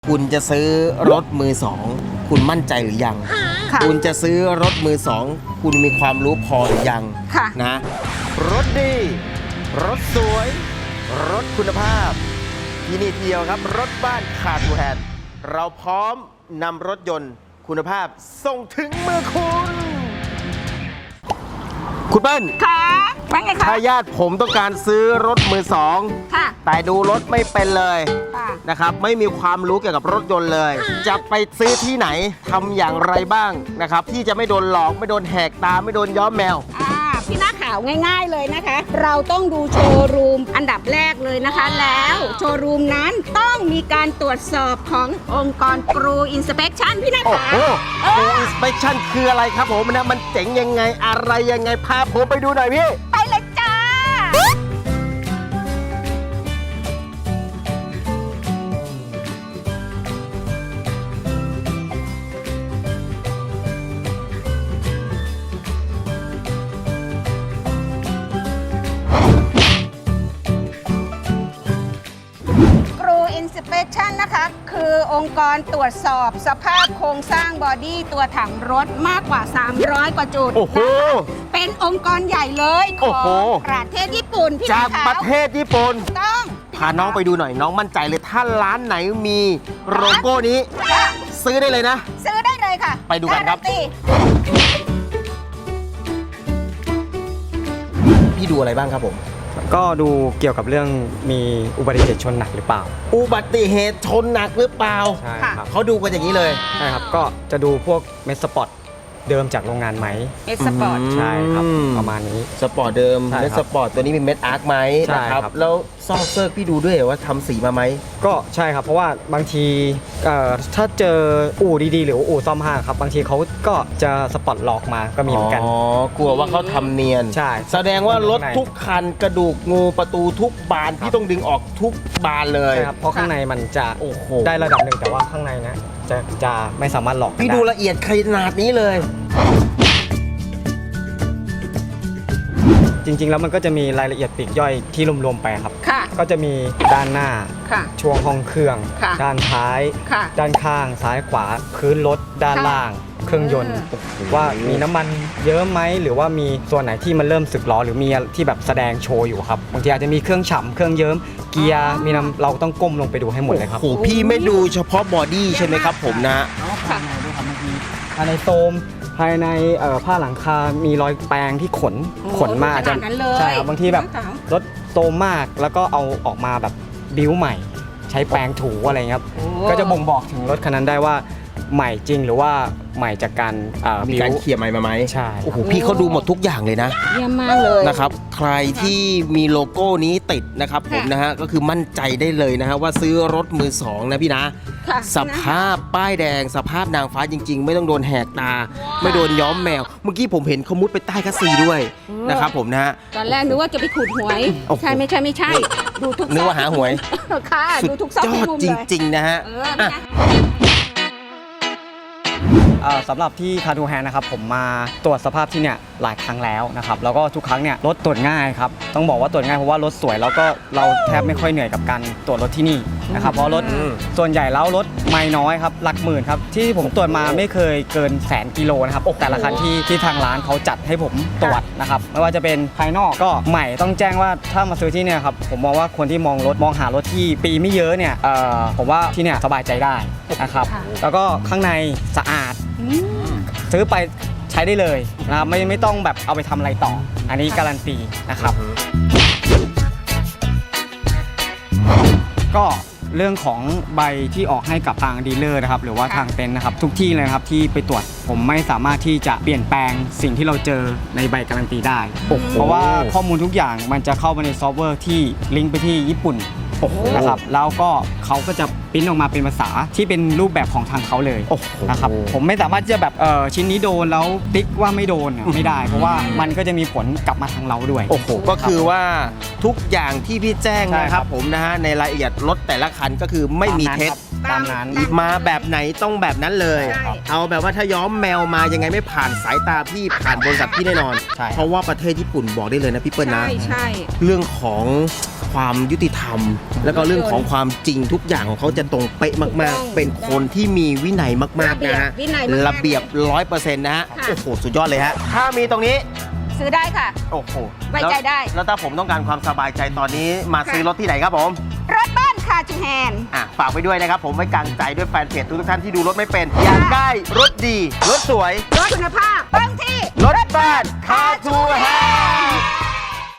คุณจะซื้อรถมือสองคุณมั่นใจหรือยังคุณจะซื้อรถมือสองคุณมีความรู้พอหรือยังนะรถดีรถสวยรถคุณภาพที่นี่เดียวครับรถบ้านคาร์ทูแฮนด์เราพร้อมนำรถยนต์คุณภาพส่งถึงมือคุณเปิ้ลค่ะว่าไงคะถ้าญาติผมต้องการซื้อรถมือสองแต่ดูรถไม่เป็นเลยนะครับไม่มีความรู้เกี่ยวกับรถยนต์เลยจะไปซื้อที่ไหนทำอย่างไรบ้างนะครับที่จะไม่โดนหลอกไม่โดนแหกตาไม่โดนย้อมแมวพี่หน้าขาวง่ายๆเลยนะคะเราต้องดูโชว์รูมอันดับแรกเลยนะคะแล้วโชว์รูมนั้นต้องมีการตรวจสอบขององค์กรครูอินสเปคชั่นพี่หน้าขาวครูอินสเปคชั่นคืออะไรครับผมนะมันเจ๋งยังไงอะไรยังไงพาผมไปดูหน่อยพี่ไปเลยจ้านะคะคือองค์กรตรวจสอบสภาพโครงสร้างบอดี้ตัวถังรถมากกว่า300กว่าจุดเป็นองค์กรใหญ่เลยของประเทศญี่ปุ่นพี่จากประเทศญี่ปุ่นต้องพาน้องไปดูหน่อยน้องมั่นใจเลยถ้าร้านไหนมีโลโก้นี้ซื้อได้เลยนะซื้อได้เลยค่ะไปดูกันครับพี่ดูอะไรบ้างครับผมก็ดูเกี่ยวกับเรื่องมีอุบัติเหตุชนหนักหรือเปล่าอุบัติเหตุชนหนักหรือเปล่าใช่ครับเขาดูกันอย่างนี้เลยใช่ครับก็จะดูพวกเมสสปอร์ตเดิมจากโรงงานไหมเมสสปอร์ตใช่ครับประมาณนี้สปอร์ตเดิมเมสสปอร์ตตัวนี้มีเม็ดอาร์คไหมนะครับแล้วซอกเซิร์กพี่ดูด้วยว่าทำสีมาไหมก็ใช่ครับเพราะว่าบางทีถ้าเจออู่ดีๆหรืออู่ซ่อมห้างครับบางทีเขาก็จะสปอร์ตหลอกมาก็มีเหมือนกันกลัวว่าเขาทำเนียนใช่แสดงว่ารถทุกคันกระดูกงูประตูทุกบานที่ต้องดึงออกทุกบานเลยใช่ครับเพราะข้างในมันจะได้ระดับหนึ่งแต่ว่าข้างในนะจะไม่สามารถหลอกพี่ดูละเอียดขนาดนี้เลยจริงๆแล้วมันก็จะมีรายละเอียดปลีกย่อยที่รวมๆไปครับก็จะมีด้านหน้าช่วงห้องเครื่องด้านท้ายด้านข้างซ้ายขวาพื้นรถด้านล่างเครื่องยนต์ว่ามีน้ำมันเยอะไหมหรือว่ามีส่วนไหนที่มันเริ่มสึกหรอหรือมีที่แบบแสดงโชว์อยู่ครับบางทีอาจจะมีเครื่องฉ่ำเครื่องเยิ้มเกียร์มีน้ำเราต้องก้มลงไปดูให้หมดเลยครับโอ้โหพี่ไม่ดูเฉพาะบอดี้ใช่ไหมครับผมนะภายในโซมภายในผ้าหลังคามีรอยแปรงที่ขนมาจะใช่ครับบางทีแบบรถโตมากแล้วก็เอาออกมาแบบบิ้วใหม่ใช้แปรงถูอะไรเงี้ยครับก็จะบ่งบอกถึงรถคันนั้นได้ว่าใหม่จริงหรือว่าใหม่จากการมีการเคลียร์ใหม่มาไหมใช่โอ้โหพี่เขาดูหมดทุกอย่างเลยนะเยี่ยมมากเลยนะครับใครที่มีโลโก้นี้ติดนะครับผมนะฮะก็คือมั่นใจได้เลยนะฮะว่าซื้อรถมือสองนะพี่นะสภาพป้ายแดงสภาพนางฟ้าจริงๆไม่ต้องโดนแหกตาไม่โดนย้อมแมวเมื่อกี้ผมเห็นเขามุดไปใต้คัสซีด้วยนะครับผมนะฮะตอนแรกนึกว่าจะไปขูดหวยใช่ไม่ใช่ดูทุกนึกว่าหาหวยค่ะดูทุกซอกทุกมุมเลยจริงๆนะฮะสำหรับที่คาร์ทูแฮนนะครับผมมาตรวจสภาพที่เนี่ยหลายครั้งแล้วนะครับแล้วก็ทุกครั้งเนี่ยรถตรวจง่ายครับต้องบอกว่าตรวจง่ายเพราะว่ารถสวยแล้วก็เราแทบไม่ค่อยเหนื่อยกับการตรวจรถที่นี่นะครับเพราะรถส่วนใหญ่แล้วรถไม่น้อยครับหลักหมื่นครับที่ผมตรวจมาไม่เคยเกิน100,000 กิโลนะครับแต่ละคันที่ทางร้านเขาจัดให้ผมตรวจนะครับไม่ว่าจะเป็นภายนอกก็ใหม่ต้องแจ้งว่าถ้ามาซื้อที่เนี่ยครับผมมองว่าคนที่มองหารถที่ปีไม่เยอะเนี่ยผมว่าที่เนี่ยสบายใจได้นะครับแล้วก็ข้างในสะอาดซื้อไปใช้ได้เลยนะครับไม่ต้องแบบเอาไปทำอะไรต่ออันนี้การันตีนะครับก็เรื่องของใบที่ออกให้กับทางดีลเลอร์นะครับหรือว่าทางเต็นท์นะครับทุกที่เลยครับที่ไปตรวจผมไม่สามารถที่จะเปลี่ยนแปลงสิ่งที่เราเจอในใบการันตีได้เพราะว่าข้อมูลทุกอย่างมันจะเข้าไปในซอฟต์แวร์ที่ลิงก์ไปที่ญี่ปุ่นนะครับแล้วก็เขาก็จะปริ้นออกมาเป็นภาษาที่เป็นรูปแบบของทางเขาเลยนะครับผมไม่สามารถจะแบบชิ้นนี้โดนแล้วติ๊กว่าไม่โดนไม่ได้เพราะว่ามันก็จะมีผลกลับมาทางเราด้วยโอ้โหก็คือว่าทุกอย่างที่พี่แจ้งนะครับผมนะฮะในรายละเอียดรถแต่ละคันก็คือไม่มีเท็จตามนั้นมาแบบไหนต้องแบบนั้นเลยเอาแบบว่าถ้าย้อมแมวมายังไงไม่ผ่านสายตาพี่ผ่านบริษัทพี่แน่นอนเพราะว่าประเทศญี่ปุ่นบอกได้เลยนะพี่เปิ้ลนะเรื่องของความยุติธรรม แล้วก็เรื่องของความจริงทุกอย่างของเขาจะตรงเป๊ะมากๆ เป็นคนที่มีวินัยมากๆนะฮะวินัยมากๆระเบียบ 100%นะฮะค่ะโอ้โหสุดยอดเลยฮะถ้ามีตรงนี้ซื้อได้ค่ะโอ้โหไว้ใจได้แล้วถ้าผมต้องการความสบายใจตอนนี้มาซื้อรถที่ไหนครับผมรถบ้านคาจูแฮนฝากไว้ด้วยนะครับผมไว้กางใจด้วยแฟนเพจทุกท่านที่ดูรถไม่เป็น อยากได้รถดี รถสวยรถคุณภาพต้องที่รถบ้านคาทูแฮน